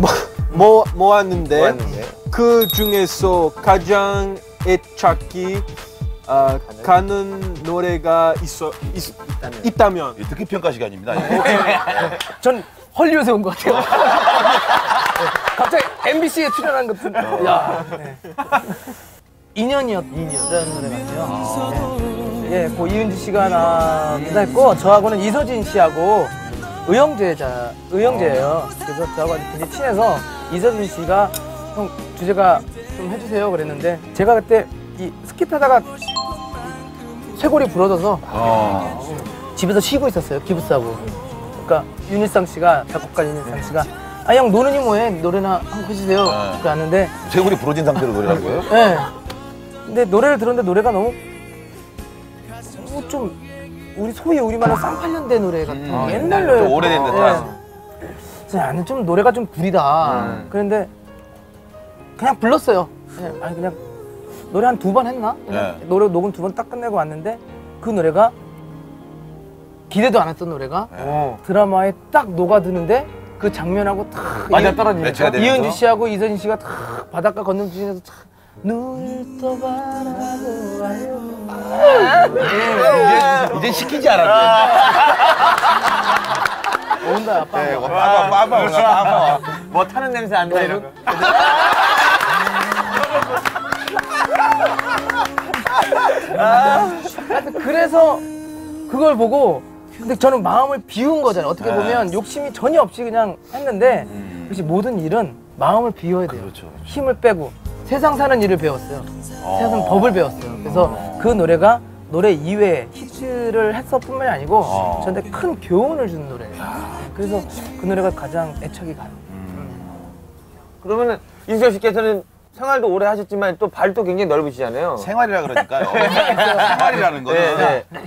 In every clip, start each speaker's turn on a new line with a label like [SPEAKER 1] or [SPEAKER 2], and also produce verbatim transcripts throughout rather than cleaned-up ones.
[SPEAKER 1] 뭐, 모았는데,
[SPEAKER 2] 모았는데.
[SPEAKER 1] 그 중에서 가장 애착이 어, 가는 노래가 있어, 있, 있다면, 있다면.
[SPEAKER 3] 듣기 평가 시간입니다.
[SPEAKER 4] 전 헐리우드에 온 것 같아요. 갑자기 엠비씨에 출연한 것 같은. 어. 야. 네. 인연이었던 노래 같아요. 아. 네. 예, 고 이은지 씨가 나기도 했고 저하고는 이서진 씨하고 의형제자, 의형제예요. 그래서 저하고 굉장히 친해서 이서진 씨가 형 주제가 좀 해주세요 그랬는데 제가 그때 이 스키 타다가 쇄골이 부러져서 어. 집에서 쉬고 있었어요. 기부스하고. 그러니까 윤일상 씨가 작곡가 윤일상 씨가 아 형 노는이 뭐해 노래나 한곡 해주세요. 네. 그랬는데
[SPEAKER 3] 쇄골이 부러진 상태로 노래하는 거예요?
[SPEAKER 4] 네. 근데 노래를 들었는데 노래가 너무 뭐 좀 우리 소위 우리말로 쌍팔년대 노래 같은 음, 옛날 노래
[SPEAKER 3] 오래된 듯한.
[SPEAKER 4] 네. 나는 좀 노래가 좀 구리다. 음. 그런데 그냥 불렀어요. 그냥, 아니 그냥 노래 한 두 번 했나? 네. 노래 녹음 두 번 딱 끝내고 왔는데 그 노래가 기대도 안 했던 노래가 네. 드라마에 딱 녹아드는데 그 장면하고 탁
[SPEAKER 2] 맞아 떨어지니까
[SPEAKER 4] 이은지 씨하고 이서진 씨가 탁 바닷가 건너뛰면서 탁 눈을 또 바라보아요.
[SPEAKER 3] 이제, 이제 시키지 않았네.
[SPEAKER 4] 온다 빠빠.
[SPEAKER 3] 네, 빠빠 빠빠 빠빠.
[SPEAKER 2] 뭐 타는 냄새 안 나 이런 거.
[SPEAKER 4] 그래서 그걸 보고 근데 저는 마음을 비운 거잖아요. 어떻게 보면 욕심이 전혀 없이 그냥 했는데 음. 역시 모든 일은 마음을 비워야 돼요.
[SPEAKER 3] 그렇죠, 그렇죠.
[SPEAKER 4] 힘을 빼고 세상 사는 일을 배웠어요.
[SPEAKER 3] 어.
[SPEAKER 4] 세상 법을 배웠어요. 그래서 어. 그 노래가 노래 이외에 히트를 했을 뿐만이 아니고 어. 저한테 큰 교훈을 주는 노래예요. 야. 그래서 그 노래가 가장 애착이 가요. 음.
[SPEAKER 2] 그러면은 임수혁 씨께서는 생활도 오래 하셨지만 또 발도 굉장히 넓으시잖아요.
[SPEAKER 3] 생활이라 그러니까요. 생활이라는 거는 네, 네.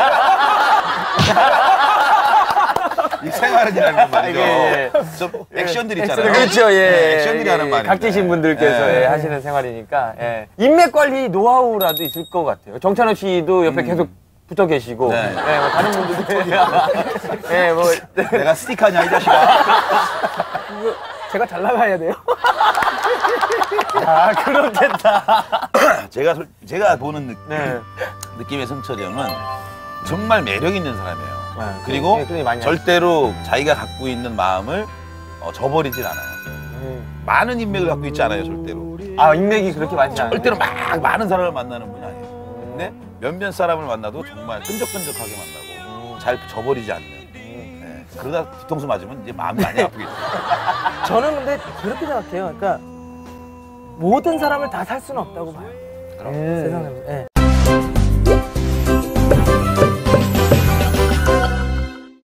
[SPEAKER 3] 이 생활이라는 말이죠. 예, 예. 좀 액션들 있잖아요.
[SPEAKER 2] 그렇죠, 예.
[SPEAKER 3] 네, 액션들이 하는 말이에요.
[SPEAKER 2] 각지신 분들께서 예. 예, 하시는 생활이니까 예. 인맥 관리 노하우라도 있을 것 같아요. 정찬호 씨도 옆에 음. 계속 붙어 계시고, 네. 예, 뭐 다른 분들도 예, 뭐
[SPEAKER 3] 내가 스티커냐 이 자식아.
[SPEAKER 4] 제가 잘 나가야 돼요.
[SPEAKER 2] 아, 그렇겠다.
[SPEAKER 3] 제가 제가 보는 느,
[SPEAKER 2] 네.
[SPEAKER 3] 느낌의 성철이 형은 정말 매력 있는 사람이에요. 네, 그리고
[SPEAKER 2] 네, 많이
[SPEAKER 3] 절대로 자기가 갖고 있는 마음을 어, 저버리질 않아요. 음. 많은 인맥을 갖고 있지 않아요, 절대로.
[SPEAKER 2] 아, 인맥이 그렇게 많지 않아요?
[SPEAKER 3] 절대로 막 많은 사람을 만나는 분이 아니에요. 근데 몇몇 사람을 만나도 정말 끈적끈적하게 만나고 음. 잘 저버리지 않는. 네. 그러다 뒤통수 맞으면 이제 마음이 많이 아프겠죠.
[SPEAKER 4] 저는 근데 그렇게 생각해요. 그러니까 모든 사람을 다 살 수는 없다고 봐요.
[SPEAKER 3] 그럼.
[SPEAKER 4] 음. 세상에. 네.